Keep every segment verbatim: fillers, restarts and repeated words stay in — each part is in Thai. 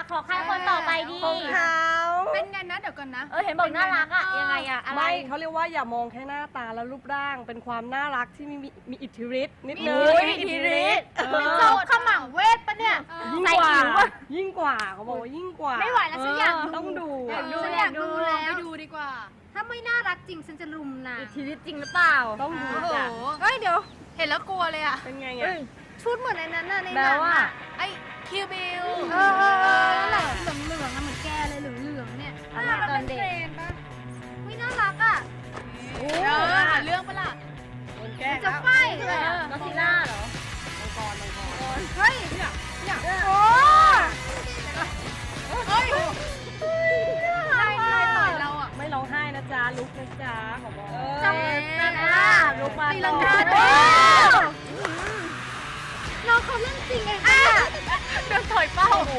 ขอใครคนต่อไปดีของเขาเป็นไงนะเดี๋ยวก่อนนะเออเห็นบอกน่ารักอะยังไงอะอะไรไม่เขาเรียกว่าอย่ามองแค่หน้าตาและรูปร่างเป็นความน่ารักที่มีมีอิทธิฤทธิ์นิดนึงมีอิทธิฤทธิ์เออโจกขมังเวทปะเนี่ยยิ่งใส่กว่าอิ๋วอะยิ่งกว่าเขาบอกว่ายิ่งกว่าไม่ไหวแล้วฉันอยากดูต้องดูอยากดูฉันอยากดูแล้วไปดูดีกว่าถ้าไม่น่ารักจริงฉันจะรุมนะอิทธิฤทธิ์จริงหรือเปล่าต้องดูโอ้โหจ้ะเฮ้ยเดี๋ยวเห็นแล้วกลัวเลยอ่ะเป็นไงเอ้อ่ะยชุดเหมือนในนั้นน่ะในหแปลนังว่าอะไอ้คิวบิลเออเออเออนั่นแหละเหลืองเหลืองๆอะเหมือนแกเลยเหลืองเหลืองๆเนี่ยอะไรตอนเด็กไม่น่ารักอ่ะเออหาเรื่องปะล่ะโดนแกล้งจะแล้วไฟเลยอะนอซิล่าเหรอมังกรมังกรเฮ้ยโอ้เฮ้ยใครใครต่อยเราอ่ะไม่ร้องไห้นะจ๊ะลุกนะจ๊ะขอบอกจำเป็นอ่ะลูกมาตีลังกาโอ้น้องเขาเล่นจริงเองอะเดินถอยเป้าโอ้โห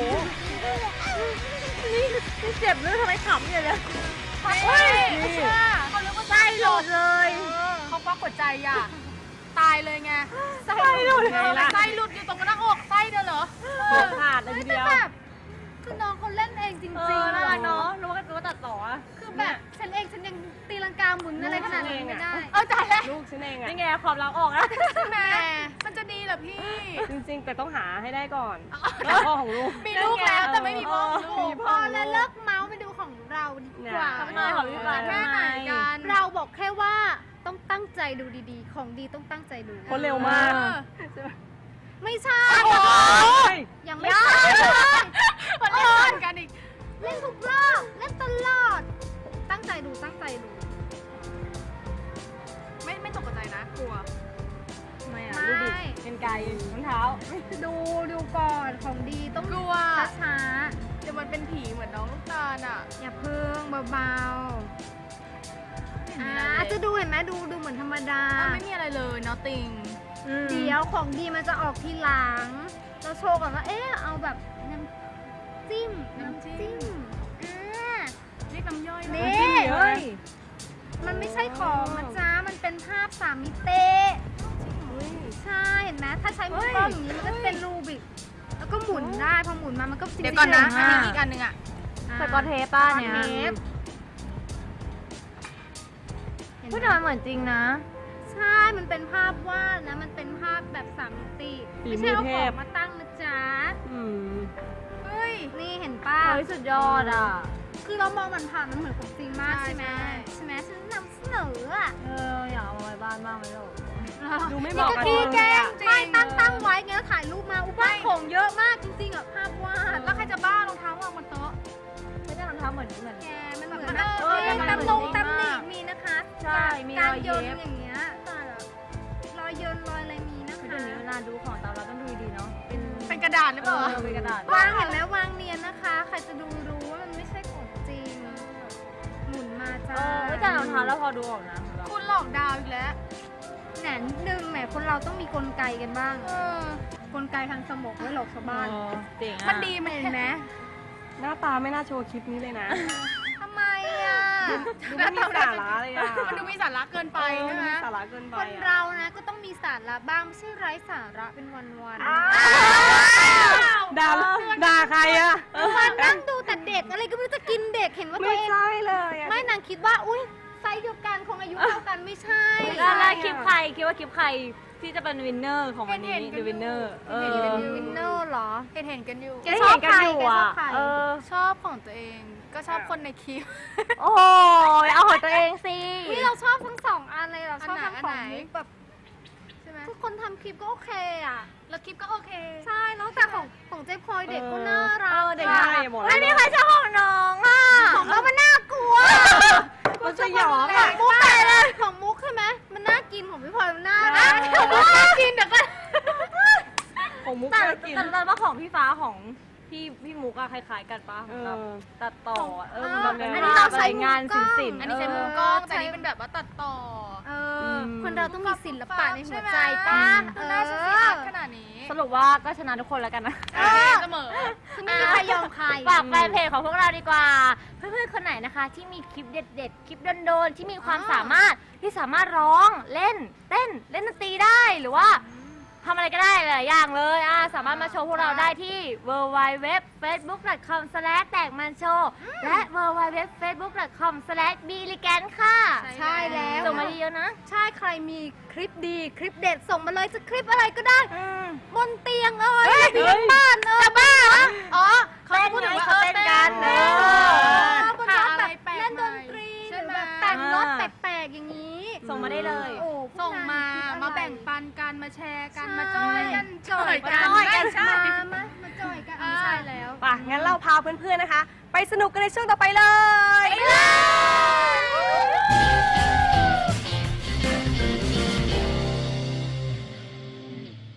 นี่นี่เจ็บหรือทำไมขำอย่างเงี้ยเฮ้ยนี่เขาเรียกว่าไส้หลุดเลยเขาควักหัวใจอ่ะ ตายเลยไงไส้หลุดเออไส้หลุดอยู่ตรงหน้าอกไส้เดียวเหรอหัวขาดเลยทีเดียวแบบคือน้องเขาเล่นเองจริงเอๆอน่ารักอะเนาะรู้ว่ารู้ว่าตัดต่ออะคือแบบฉันเองฉันยังตีลังกาหมุนอะไรขนาดนั้นไม่ได้เอาใจแล้วลูกฉันเองอ่ะนี่ไงความรักออกแล้วแหมมันจะดีเหรอพี่จริงๆ แต่ต้องหาให้ได้ก่อนพ่อของลูกมีลูกแล้วแต่ไม่มีพ่อของมีลูกพ่พอแล้วเลิกเมาส์ไปดูของเราดีกว่าเนี่ยไม่ได้ของพี่ปานแค่ไหนกันเราบอกแค่ว่าต้องตั้งใจดูดีๆ ของดีต้องตั้งใจดูคนเร็วมากเออไม่ใช่โอ้ยยังไม่ใช่มันเล่นเหมือนกันอีกเล่นทุกรอบเล่นตลอด ตั้งใจดูตั้งใจดูไม่ไม่ตกใจนะกลัวทำไมอ่ะไม่ดูดิเป็นไก่รองเท้าดูดูก่อนของดีต้องกลัวช้าเดี๋ยวมันเป็นผีเหมือนน้องลูกตาลอ่ะๆอย่าเพิ่งเบาๆอ่าจะดูเห็นไหมดูดูเหมือนธรรมดาอ่ะไม่มีอะไรเลย nothing เดี๋ยวของดีมันจะออกทีหลัง เราโชว์ก่อนว่า เอ๊ะ เอาแบบน้ำจิ้ม น้ำจิ้มอ่าเรียกน้ำย่อยนี่นะเฮ้ยมันไม่ใช่ของนะจ๊ะ มันเป็นภาพสามมิติ ใช่ เห็นไหมถ้าใช้มือกล้องอย่างนี้มันก็จะเป็นรูบิก แล้วก็หมุนได้ พอหมุนมา มันก็จริงๆเดี๋ยวก่อนนะอ่อันนี้อีกอันหนึ่งอ่ะสกอตเทปป้าเนี่ยสกอตเทปเห็นพูดไหถึมงมันเหมือนจริงนะใช่ มันเป็นภาพวาดนะ มันเป็นภาพแบบสามมิติฝีไม่มืใช่อเอาเทขอพงมาตั้งนะจ๊ะอืมเฮ้ยนี่เห็นป้าเฮ้ยสุดยอดอ่ะคือเรามองมันผ่านมันเหมือนของจริงมากใช่ใช่ไหมใช่ใช่ไหมฉันนำเสนออ่ะเอออยากเอามาไว้บ้านบ้างไหมลูกดูไม่เหนี่มาะก็กับขี้เราแกเลยล้งอ่ะไม่ตั้งตั้งไว้ไงแล้วถ่ายรูปมาอุบ้านของเยอะมากจริงๆอ่ะภาพวาดแล้วใครจะบ้ารองเท้าวางบนโต๊ะไม่ได้รองเท้าเหมือนเหมือนแกมันเหมือนมันแบบเออเอ้ยมันตำเหมือนนงจริงตำหนิมากมีนะคะใช่มีการรอยโยเย็นบอย่างเงี้ยแต่แบบรอยโยนรอยอะไรมีนะคือคะเดี๋ยวนี้เวลาดูของตามเราต้องดูดีๆเนาะ เป็นเป็นกระดาษหรือเปล่าเออเป็นกระดาษวางเห็นไหมวางเนียนนะคะ ใครจะดูรู้ว่ามันไม่ใช่ของจริง หมุนมาเอจ้าอไม่แต่รองเท้าแล้วพอดูออกนะคุณหลอกดาวอีกแล้วแหนนิดนึงแหมคนเราต้องมีกลไกกันบ้างเออกลไกทางสมองไว้หลอกชาวบ้านเออเจ๋งอ่ะมันดีไหมเห็นไหมหน้าตาไม่น่าโชว์คลิปนี้เลยนะทำไมอ่ะดูไม่มีสาระเลยอ่ะมันดูมีสาระเกินไปเออใช่ดูไหมมีสาระเกินไปคนอ่ะเรานะก็ต้องมีสาระบ้างไม่ใช่ไร้สาระเป็นวันวันด่าด่าใครอ่ะวันนั่งดูแต่เด็กอะไรก็ไม่รู้จะกินเด็กเห็นว่าตัไม่วเองใช่เลยอ่ะไม่นางคิดว่าอุ้ยไซส์เดียวกันคงอายุเท่ากันไม่ใช่แล้วแล้วคลิปใครคิดว่าคลิปใครที่จะเป็นวินเนอร์ของวันนี้เห็นๆกันอยู่ดูวินเนอร์เอเห็นอเป็นวินเนอร์เหรอเห็นเห็นกันอยู่แกชอบใครได้เห็นกันอยู่แกชอบอ่ะใครเออชอบของตัวเอง ก็ชอบคนในคลิปโอ้ยเอาของตัวเองสินี่เราชอบทั้งสองอันเลยเราชอบอัทั้นงไหนของมุกแบบใช่ไหมทุกคนทำคลิปก็โอเคอ่ะแล้วคลิปก็โอเคใช่แล้วแต่ของของเจ๊พลอยเด็กก็น่ารักเออเด็กใช่น่ารักหมดไม่มีใครชอบของน้องอ่ะของเรามันน่ากลัวมันสยองขออ่ะงมุกไปเลยของมุกใช่ไหมมันน่ากินของพี่พลอยมันน่ารักของมุกน่ากินเดี๋ยวก่อนของมุกแต่น่ากินแต่แต่ว่าของพี่ฟ้าของพี่พี่มุกอะคล้ายๆกันปะเออแบบตัดต่อเออเออแบบอันนี้ภาเราพใช้อะไรงานมุมกล้ศิองลป์อันๆนี้ใช้เมุมกล้องเออแต่อันนี้เป็นแบบว่าตัดต่อเออมคนเราต้องมีศิลปะในหัวใจใช่ไหมป้าดูหน้าฉันสิอาร์ตขนาดนี้สรุปว่าก็ชนะทุกคนแล้วกันนะเออเสมอคือไม่มีใครยอมใครฝากแฟนเพจของพวกเราดีกว่า เพื่อนๆคนไหนนะคะ ที่มีคลิปเด็ดๆ คลิปโดนๆที่มีความอ่าสามารถที่สามารถร้องเล่นเต้นเล่นดนตรีได้หรือว่าททำอะไรก็ได้หลายอย่างเลยอ่ะสามารถมาโชว์พวกเราได้ที่ ดับเบิลยู ดับเบิลยู ดับเบิลยู ดอท เฟซบุ๊ก ดอท คอม สแลช แตกมันโชว์และ ดับเบิลยู ดับเบิลยู ดับเบิลยู ดอท เฟซบุ๊ก ดอท คอม สแลช บีลิแกนค่ะใช่แล้วส่งมาเยอะๆนะใช่ใครมีคลิปดีคลิปเด็ดส่งมาเลยจะคลิปอะไรก็ได้บนเตียงเอ้ยที่บ้านเอ้ยบ้าเหรออ๋อเขาพูดถึงว่าเต้นกันเต้นเออบนรถแบบเล่นดนตรีหรือแบบแต่งรถแปลกๆอย่างนี้ส่งมาได้เลยโอ้ส่งมา มาแบ่งนปันกันมาแชร์กันใช่มาจอยกันจอยกันจอยกันใช่มามามาจอยกันไม่ใช่แล้วป่ะงั้นเราพาเพื่อนๆนะคะ ไปสนุกกันในช่วงต่อไปเลยไปเลย